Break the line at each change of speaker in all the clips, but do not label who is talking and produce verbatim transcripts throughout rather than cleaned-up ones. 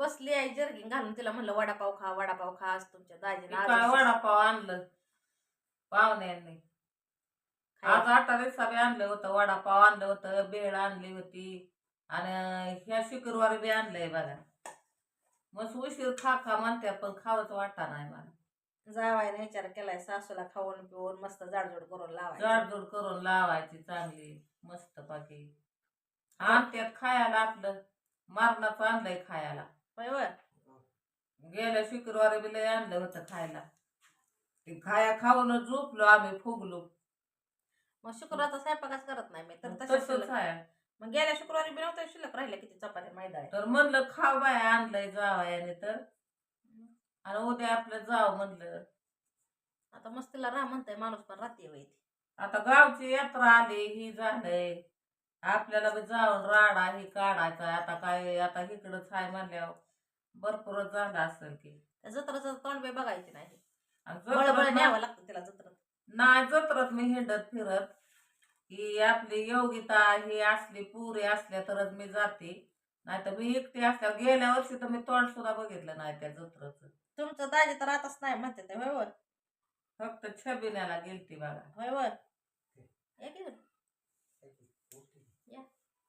बसली आई जर्किंग घालून तिला म्हणलं वडापाव खा वडापाव खा आज तुमच्या दाजीनं
काय
आज
वडापाव आणलं पाहुण्यांनी. आज आटा रिक्षा बी आणलं होतं, वडापाव आणलं होतं, भेळ आणली होती आणि ह्या शुक्रवारी बी आणलंय बघा. मस्त उशीर खा खा म्हणते पण खावंच वाटा नाही मला.
जावायने विचार केलाय सासूला खाऊन पिऊन मस्त जाडजूड करून लावायची.
जाडजूड करून लावायची चांगली मस्त पाकी. आणत्यात खायला आपलं मारणाचं आणलंय खायला.
होय
गेल्या शुक्रवारी बी लय आणलं होतं खायला. ते खाया खाऊन झोपलो आम्ही फुगलो.
मग शुक्रवारचा स्वयंपाकच करत नाही मी तर
तसंच
तसंच
आहे.
मग गेल्या शुक्रवारी बी नव्हतं शिल्लक राहिल्या किती चपात्या मैदा
तर म्हणलं खाव बाय आणलंय जावायाने तर आणि उद्या आपलं जाव म्हणलं.
आता मस्तीला राह म्हणताय माणूस पण राहते वय
आता गावची यात्रा आली ही झालंय आपल्याला बी जाऊन राडा ही काढायचा. आता काय आता इकडंच आहे म्हणल्यावर भरपूरच झालं असेल की.
जत्राचं तोंड बी बघायची नाही
आणि
बळबळ
जत्रात
न्यावं
ना-
लागतं तिला जत्रात.
नाही जत्रात मी हिंडत फिरत ही आपली योगिता ही असली पुरी असल्या तरच मी जाते. नाही तर मी एकटी असल्यावर गेल्या वर्षी तर मी तोंड सुद्धा बघितलं नाही त्या जत्राचं.
तुमचं दाजी तर आताच नाही म्हणते ते होय
फक्त छबिन्याला गेलती बघा.
होय होय या की बरं. या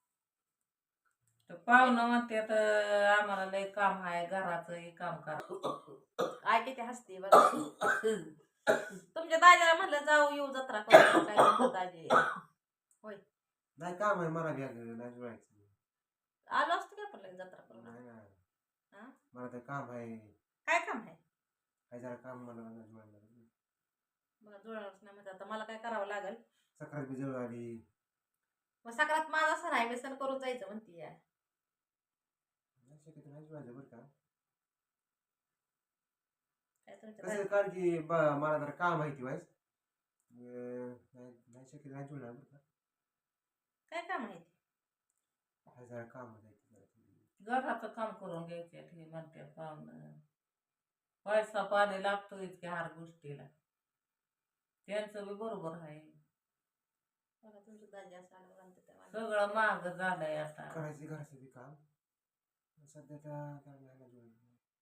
तर पाहुणं म्हणते तर आम्हाला लय काम आहे घराचं हे काम करा.
आय किती हसते बघा. तुमच्या दाजीला म्हणलं जाऊ येऊ जत्रा करू काय तुमचं दाजी होय
नाही काम आहे मला घ्या नाही जुळायचं.
आलो असतो का पण जत्रा करून.
नाही ना
हा?
मला तर काम आहे.
काय काम आहे
काय जरा काम मला नाही जुळायला.
मला जुळणारच नाही म्हणजे आता मला काय करावं लागेल.
सकाळी बी जवळ आली.
मग सकाळात माझा सण आहे व्यसन करून जायचं म्हणती या
नाही शक्यतो नाही जुळायचं बरं का.
काय तुमच्या
कसं
दाजी-
कारण की ब- मला जरा काम आहे ती वाईस नाही नाही शक्यतो नाही जुळणार बरं का.
काय काम आहे ते?
काय जरा काम आहे ती जरा थोडी.
घराचं काम करून घ्यायचे हे म्हणते पाहुणं. पैसा पाणी लागतोच की हर गोष्टीला. त्यांचं बी बरोबर आहे.
बघा तुमचं दाजी असं आलं म्हणते तेव्हा.
सगळं महाग झालंय आता.
करायचं घरचं बी काम सध्या तर काय नाही ना जुळायचं.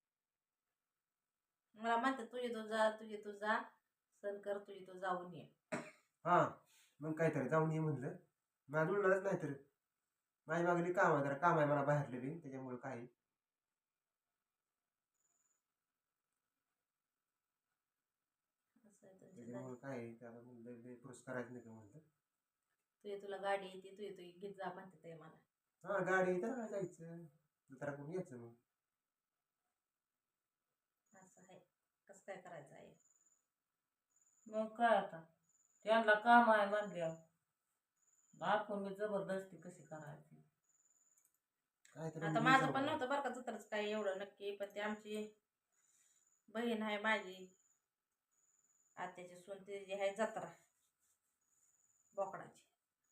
मला म्हणते तुझी तू जा तुझी तू जा सण कर तुझी तू जाऊन ये.
हा मग काहीतरी जाऊन ये म्हणलं मला जुळणारच नाही तर माझी मागणी काम आहे जरा काम आहे मला बाहेरले बी त्याच्यामुळे काही
असं आहे तुमचं दाजी.
त्याच्यामुळे काय त्याला म्हणलं पुरस्कार करायचं नाही का म्हणलं.
तुझी तुला गाडी येते तुझी तुझी घेत जा म्हणते ते मला.
हा गाडी तर जायचं जरा करून यायचं मग.
असं आहे कसं काय करायचं आहे.
मग काय आता त्यांना काम आहे म्हणल्यावर आपण मी जबरदस्ती कशी करायची.
काहीतरी
आता माझं पण नव्हतं बरं का जत्रच काय एवढं नक्की पण ती आमची बहीण आहे माझी आत्याची सून ती जी आहे जत्रा बोकडाची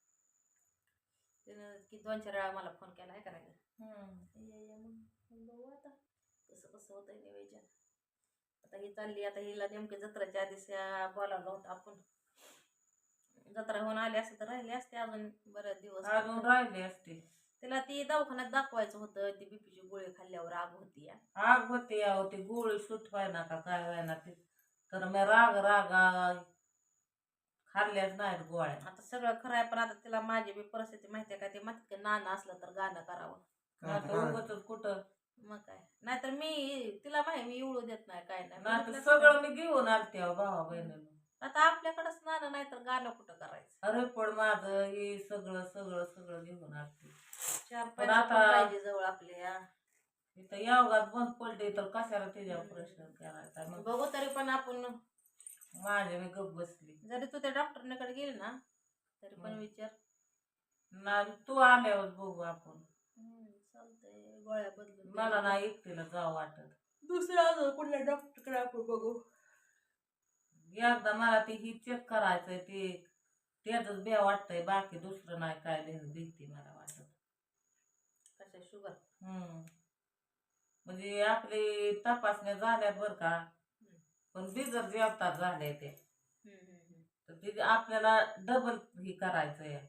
तिनं की दोन चार वेळा मला फोन केला आहे का नाही
हम्म.
ये ये मग बघू आता कसं कसं होतंय नियोजन. आता ही चालली आता हिला नेमके जत्राच्या आधीच बोलावलं होतं आपण. जत्रा होऊन आली असते तर राहिली असते अजून बरेच दिवस.
अजून राहिले असते.
तिला ती दवाखान्यात दाखवायचं होतं ती बीपीची गोळी खाल्ल्यावर आग होती या.
आग होते अहो ती गोळी सुट व्हायना का काय व्हायना ते तर मी राग राग खाल्ल्याच नाहीत गोळ्या.
आता सगळं खरं आहे पण आता तिला माझी बी परिस्थिती माहिती आहे का ते म्हणते नाणं असलं तर गाणं करावं.
नाहीतर उगाचच कुठं
मग काय नाहीतर मी तिला माहिती मी एवढं देत नाही काय नाही.
नाहीतर
म्हटलं
सगळं मी घेऊन आलते अहो भावा बहिणीला.
आता आपल्याकडंच नाणं नाही तर गाणं कुठं करायचं.
अरे पण माझं हे सगळं सगळं सगळं घेऊन आलते.
चार
पण
पैसे
आता-
पण पाहिजे जवळ आपल्या.
इथं यावगात बंद पडले तर कशाला त्याच्यावर प्रश्न करायचा. मग
बघू तरी पण आपण
माझ्या मी गप बसली.
जरी तू त्या डॉक्टरकडे गेली ना तरी पण
हम्म.
विचार.
ना तू आल्यावर बघू आपण.
हम्म, चालतंय गोळ्या बदलून
मला नाही एकटीला जावं वाटत.
दुसऱ्या अजून कुठल्या डॉक्टरकडे आपण बघू.
एकदा मला ते ही चेक करायचंय ते त्याच बे वाटतंय बाकी दुसरं नाही काय भीती मला वाटत.
कशा शुगर.
हम्म म्हणजे आपली तपासण्या झाल्यात बर का पण बिगर जेवतात झाले ते तर ते आपल्याला डबल ही करायचंय.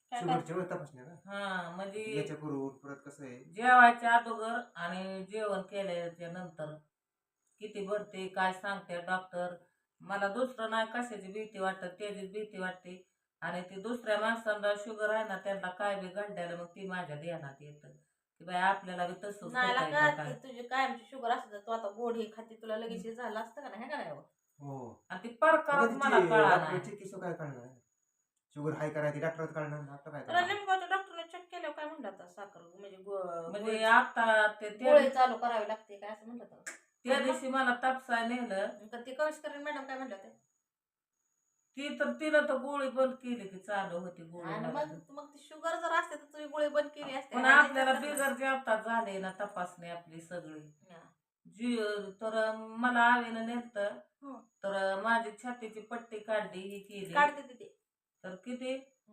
काय काय?
शुगरच्या वेळ तपासण्या का
हा म्हणजे
याच्या पूर्वी परत कसं आहे
जेवायच्या अगोदर आणि जेवण केल्याच्या नंतर किती भरते काय सांगते डॉक्टर. मला दुसरं नाही कशाची भीती वाटत त्याचीच भीती वाटते. आणि ती दुसऱ्या माणसांना शुगर आहे ना त्यांना काय बी घडल्याला मग ती माझ्या ध्यानात येतं की बाई आपल्याला बी तसंच
नाही
होतंय
का
का
ती
काय.
तुझी कायमची शुगर असते तर तू आता गोड ही खाती तुला लगेच हे झालं असतं का नाही हे का नाही हो?
हो
आणि ती प्रकारच मला कळा नाही.
डॉक्टरची किसो काय करणार शुगर हाय करायची डॉक्टर काढणार आपलं काय
तुला
करणार
नेमकं डॉक्टरने चेक केल्यावर काय म्हणलं होतं साखर म्हणजे गो-
म्हणजे
गोळी-
आता ते त्या
गोळी चालू करावी लागते काय असं म्हणलं होतं.
त्या दिवशी मला तापसाय नेलं
तर ती कविष्करण मॅडम काय म्हणलं होते
ती तर तिनं तर गोळी बंद केली की चालू होती गोळी
आणि
मला.
मग मग ती शुगर जर असते तर तुझी गोळी बंद केली असते
पण
आणि
आपल्याला
त्याच्यात
बिगर जेवतात झाले ना तपासणी आपली सगळी
हा.
जी तर मला आवीनं नेलत
हं.
तर माझी छातीची पट्टी काढली ही केली
काढते तिथे
तर किती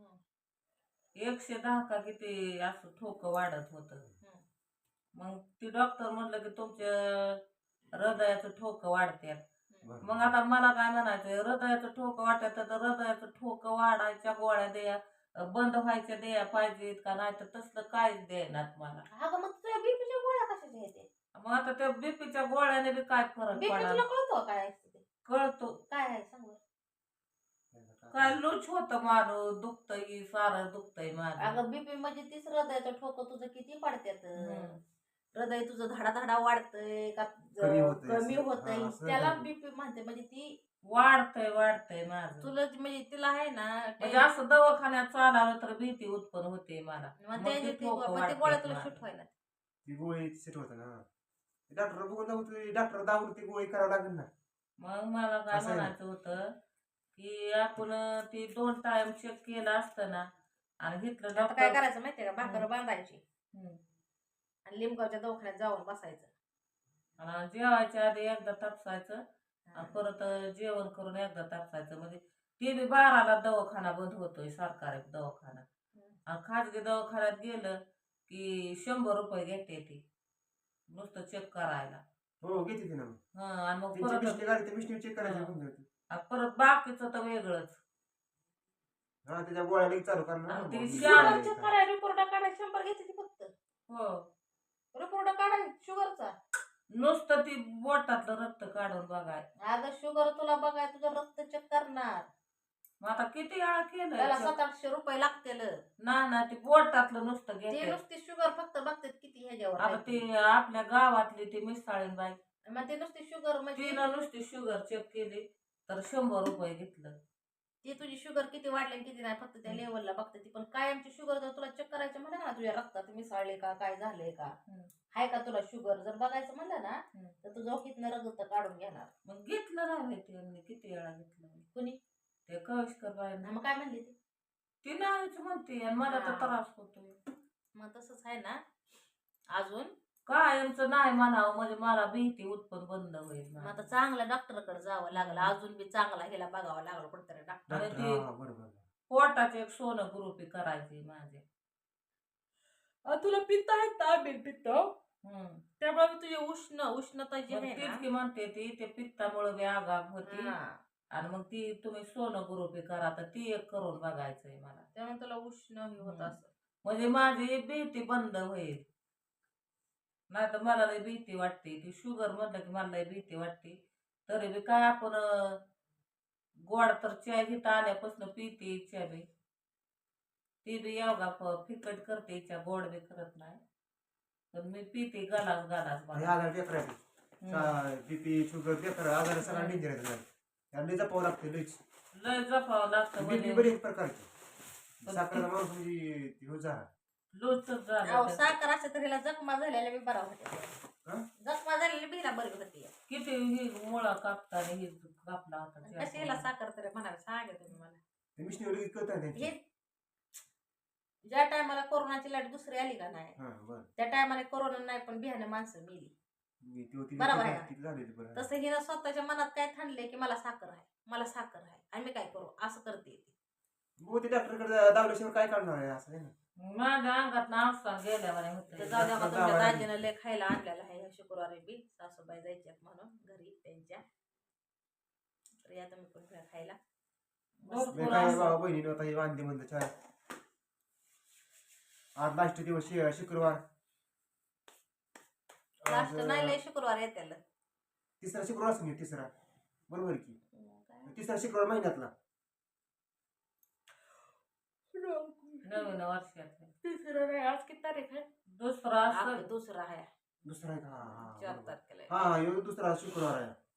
एकशे दहा का किती असं ठोक वाढत होत. मग ती डॉक्टर म्हणलं की तुमच्या हृदयाचं ठोक वाढत्यात. मग आता मला काय म्हणायचंय हृदयाचं ठोक वाटत तर हृदयाचं ठोक वाढायच्या गोळ्या द्या बंद व्हायच्या द्या पाहिजेत का नाही तर तसलं काहीच देणार मला.
अगं मग तुझ्या बीपीच्या गोळ्या कशाच्या येते
मग आता त्या बीपीच्या गोळ्याने बी काय फरक
बीपी
पडा
तुला कळतो काय असते ते
कळतो
काय आहे सांग बरं.
काय लूच होत माझं दुखतंय सारं दुखतंय माझं.
अगं बीपी म्हणजे तीच हृदयाचं ठोकं तुझं किती पडत्यात
हम्म.
हृदय तुझं धाडा धाडा वाढतंय का
कमी होतंय
कमी
असं.
होतंय
हा, असं
त्याला
झालं.
बीपी म्हणते म्हणजे ती
वाढतंय वाढतंय माझं.
तुला जी- म्हणजे तिला आहे ना
म्हणजे असं दवाखान्यात चालावं तर भीती उत्पन्न होते मला.
मग
मग
त्याची
ते
ती
ठोकं
गो- मग ती
वाढतात
गोळ्या तुला
माझं.
शूट व्हायला
ती गोळी सेट होत ना डॉक्टर बघून जाऊ डॉक्टर दावून ती गोळी करावं लागेल ना
मग मला काय
असं आहे ना.
म्हणायचं होतं की आपण ती दोन टाइम चेक केलं असतं ना आणि घेतलं
आता काय
डॉक्टर
करायचं माहितीये का भाकर बांधायची
हम्म.
आणि लिंबगावच्या दवाखान्यात जाऊन बसायचं
आणि जेवायच्या आधी एकदा तापसायचं आणि परत जेवण करून एकदा तापसायचं. म्हणजे ते बी बाराला दवाखाना बंद होतोय सरकारी दवाखाना. आणि खाजगी दवाखान्यात गेलं की शंभर रुपये घेते ती नुसतं चेक करायला.
हो घेते ती ना मग.
हं, आणि मग
त्यांची
परत
मिस्टेक आली ते मिस्टेक चेक करायची
हा.
बंद होती.
आणि परत बाकीचं तर वेगळंच.
हा त्याच्या गोळ्या लगेच चालू करणार
आणि
ना
ती
मग.
शाळा
गोळ्या
चेक
काय.
करायला रिपोर्ट काढायला शंभर घेते ती फक्त
हो
रिपोर्ट काढायला शुगरचा
नुसतं ती बोटातलं रक्त काढून बघाय.
अगं शुगर तुला बघाय तुझं रक्त चेक करणार
मग आता किती वेळा केलं
त्याला सात आठशे रुपये लागतील
ना ना ती बोटातलं नुसतं
ते
घेते.
नुसती शुगर फक्त बघतात किती ह्याच्यावर
आता
आहे.
ती आपल्या गावातली ती मिसाळीन बाई
मग ते नुसती शुगर म्हणजे
तिनं नुसती शुगर चेक केली तर शंभर रुपये घेतलं.
ती तुझी शुगर किती वाढली आणि किती नाही फक्त त्या लेवलला बघते ती पण कायमची शुगर जर तुला चेक करायचं म्हणलं ना तुझ्या रक्तात मिसळले का काय झालंय का
हम्म.
आहे का तुला शुगर जर बघायचं म्हणलं ना
हम्म.
तर तुझं हितनं रक्त काढून घेणार
मग घेतलं नाही माहिती यांनी किती वेळा घेतलं.
कुणी
ते कविष्कर बाईंना
मग काय म्हणली ती
ती नाहीच म्हणते आणि मला तर
हा.
त्रास होतोय.
मग तसंच आहे ना अजून
कायमचं नाही म्हणावं म्हणजे मला भीती उत्पन्न बंद होईल
मग
माझी.
आता चांगल्या डॉक्टरकडे जावं लागलं अजून बी चांगला ह्याला बघावं लागलं कुठतरी डॉक्टर
आणि
डॉक्टर
ती
हा बरोबर
पोटाचे एक सोनं ग्रुपी करायची माझे.
तुला पित्त आहेत ना आंबील पित्त
हम्म.
त्यामुळे मी तुझी उष्ण उष्णता जी
मग
आहे
तीच
ना
की म्हणते ती ते पित्तामुळे बी आगाग होती.
हा.
आणि मग ती तुम्ही सोनं ग्रुपी करा तर ती एक करून बघायचंय मला.
त्यामुळे तुला उष्ण हे होत
हम्म.
असं
म्हणजे माझी भीती बंद होईल. नाही तर मला लय भीती वाटते ती शुगर म्हणलं की मला लय भीती वाटते. तरी बी काय आपण अं, गोड तर चहा घेता आल्यापासून पिते चहा बी ती बी योगा फ- फिकट करते इच्छा गोड बी करत नाही. पण मी पिते गलास गलास
हे
मला.
आजार बेकार आहे बीपी शुगर बेकार आजार सगळा डेंजर आहे त्याला जपावं लागते लईच
लय जपावं लागतं
बीपी
म्हणजे
बरी एक प्रकारची साखरेचा माणूस म्हणजे ती हो जा
लूचच
अहो,
झालं.
साखर असं तर हिला जखमा झालेल्या बी बरा होते
हा?
जखमा झालेली बिला बरी होती
किती ही मुळा कापताना ही कापला होता
कशी हिला साखर तरी म्हणावे सांगा तुम्ही मला
ते मिशनी लगेच कळत नाही
हे ज्या टायमाला कोरोनाची लाट दुसरी आली का नाही
हा बरं
त्या टायमाला कोरोना नाही पण बिहाने माणसं मेली
मी ती होती
बरोबर आहे.
ती झालेली बरं
तसं हिनं स्वतःच्या मनात काय थांबले की मला साखर आहे मला साखर आहे आणि मी काय करू असं करते ती.
मग ते डॉक्टरकडे दावल्याशिवाय काय करणार आहे असं आहे ना
माझ्या अंगात नावसा गेल्यावर
तर
होते.
जाऊ द्या मग
डॉक्टर
तुमच्या
गावाला
दाजीनं लय खायला आणलेलं आहे ह्या शुक्रवारी बी सासूबाई जायच्यात म्हणून घरी त्यांच्या तर या तुम्ही पण घ्या खायला
मी
भरपूर
काय
असं.
बाबा बहिणीनं आता हे वांदे म्हणलं चार आज लास्ट दिवस शे- शुक्रवार
लास्ट
आज,
नाही लय शुक्रवार येते
तिसरा शुक्रवार असेल तिसरा बरोबर की तिसरा शुक्रवार महिन्यातला
नवीन वर्षात
तिसरा नाही आज किती तारीख आहे
दुसरा
आज
असं
दुसरा आहे
दुसरा आहे का हा, हा,
चार
बरोबर.
तारखेला आहे.
हा ह्यो दुसरा शुक्रवार आहे